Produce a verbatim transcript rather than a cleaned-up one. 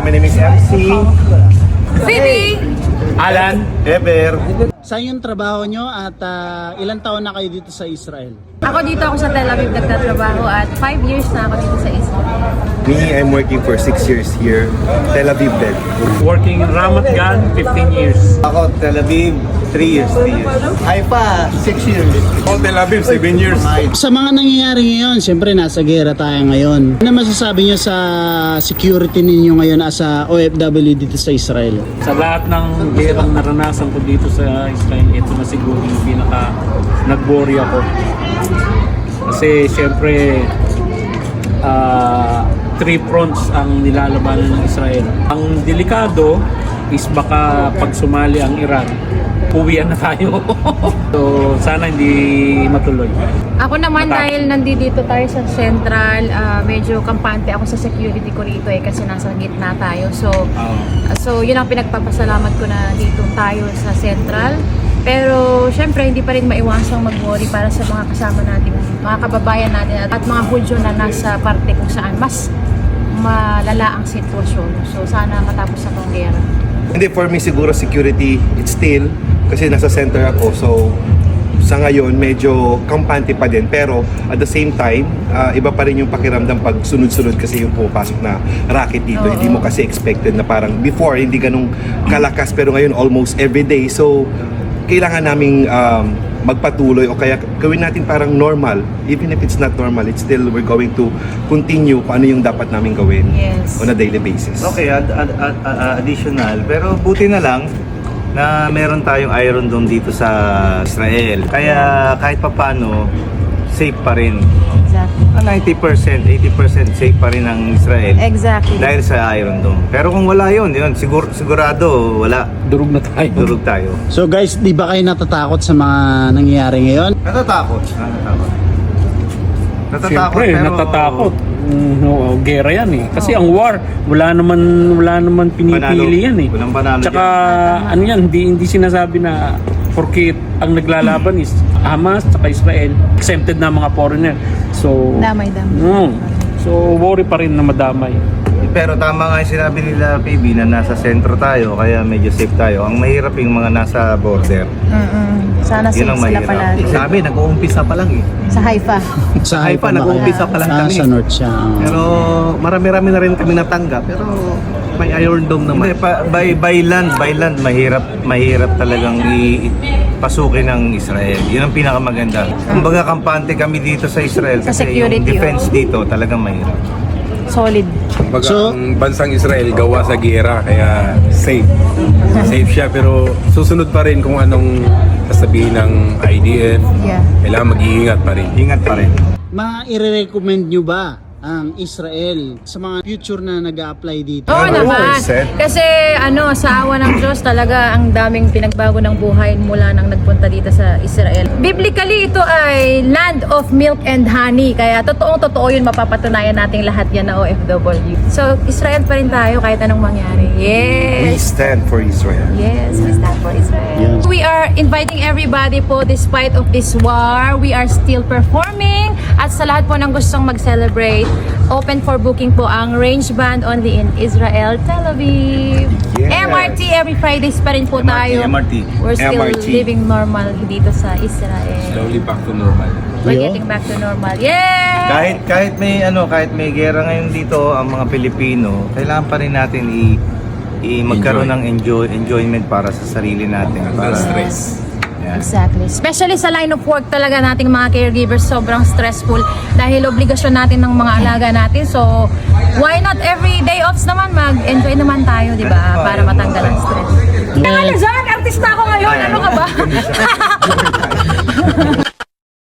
My name is M C. Phoebe! Alan. Ever. Saan yung trabaho nyo at ah, ilang taon na kayo dito sa Israel? Ako dito ako sa Tel Aviv nagtatrabaho at five years na ako dito sa Israel. Me, I'm working for six years here. Tel Aviv din. Working in Ramat Gan, fifteen years. Ako, Tel Aviv, three years, three years. Haifa, six years. All Tel Aviv, seven years. Sa mga nangyayari ngayon, siyempre nasa gera tayo ngayon. Ano masasabi nyo sa security ninyo ngayon as a O F W dito sa Israel? Sa lahat ng gerang naranasan ko dito sa Israel, ito na siguro yung pinaka nag-worry ako. Kasi siyempre, ah, three fronts ang nilalabanan ng Israel. Ang delikado is baka pag sumali ang Iran, uwian na tayo. So, sana hindi matuloy. Ako naman Matapos. dahil nandito tayo sa Central, ah, medyo kampante ako sa security ko rito eh kasi nasa gitna tayo. So, so yun ang pinagpapasalamat ko na dito tayo sa Central. Pero syempre hindi pa rin maiwasang mag-worry para sa mga kasama natin, mga kababayan natin at mga Hudyo na nasa parte kung saan mas malala ang sitwasyon. So sana matapos na tong gera. Hindi, for me siguro security, it's still, kasi nasa center ako, so sa ngayon medyo kampante pa din, pero at the same time uh, iba pa rin yung pakiramdam pag sunod-sunod kasi yung pumapasok na racket dito. Oo. Hindi mo kasi expected na parang before hindi ganung kalakas, pero ngayon almost every day. So kailangan naming um, magpatuloy o kaya gawin natin parang normal. Even if it's not normal, it's still we're going to continue kung ano yung dapat namin gawin Yes. on a daily basis. Okay, ad- ad- ad- ad- additional. Pero buti na lang na meron tayong Iron Dome dito sa Israel. Kaya kahit papano, safe pa rin. Exactly. Ah, ninety percent, eighty percent safe pa rin ang Israel. Exactly. Dahil sa Iron Dome. Pero kung wala yun, yun sigur- sigurado wala. Durog na tayo. Durog tayo. So guys, di ba kayo natatakot sa mga nangyayari ngayon? Natatakot. Natatakot. Natatakot Siyempre, pero... natatakot. Mm, no, gera yan eh. Kasi ang war, wala naman wala naman pinipili Panalo. yan eh. Walang panalo Tsaka ano yan, hindi, hindi sinasabi na porkit ang naglalaban is Hamas tsaka Israel, exempted na mga foreigner. So, Damay-damay. mm, so worry pa rin na madamay. Pero tama nga yung sinabi nila, P B, na nasa sentro tayo, kaya medyo safe tayo. Ang mahirap yung mga nasa border. Mm-mm. Sana safe Yun ang sila mahirap. pala. Sabi, nag-uumpisa pa lang eh. Sa Haifa. Sa Haifa, ba kayo? nag-uumpisa pa lang Ah, kami. sa North siya. ah. Pero marami-rami na rin kami natanggap. Pero may Iron Dome naman. Hindi, pa, by, by land, by land, mahirap, mahirap talagang i, i- pasukin ng Israel. Yun ang pinakamaganda. Kumbaga kampante kami dito sa Israel Sa kasi security, yung defense oh. dito talagang mahirap. Solid. Kumbaga, So- ang bansang Israel gawa sa gera, kaya safe. Safe siya, pero susunod pa rin kung anong sasabihin ng I D F. Yeah. Kailangan mag-iingat pa rin. Ingat pa rin. Mga i-recommend nyo ba ang Israel sa mga future na nag-a-apply dito? Oo naman. percent. Kasi ano, sa awa ng Diyos talaga ang daming pinagbago ng buhay mula nang nagpunta dito sa Israel. Biblically, ito ay land of milk and honey. Kaya totoong totoo yun, mapapatunayan nating lahat yan na O F W. So, Israel pa rin tayo kahit anong mangyari. We Yes! stand for Israel. Yes, we stand for Israel. Yes. We are inviting everybody po despite of this war. We are still performing. At sa lahat po ng gustong mag-celebrate, open for booking po ang Range Band only in Israel, Tel Aviv. Yes. M R T every Fridays pa rin po M R T, tayo. M R T. We're still M R T. living normal dito sa Israel. Slowly back to normal. We're Ayun. getting back to normal. Yeah! Kahit kahit may ano, kahit may gera ngayon dito ang mga Pilipino, kailangan pa rin natin i, i magkaroon ng enjoy enjoyment para sa sarili natin. Para stress. Yan. Exactly. Especially sa line of work talaga nating mga caregivers, sobrang stressful dahil obligasyon natin ng mga alaga natin. So, why not every day offs naman mag-enjoy naman tayo, di ba? Para matanggal ang stress. Tama na, Zach! Artista ako ngayon! Ano ka ba?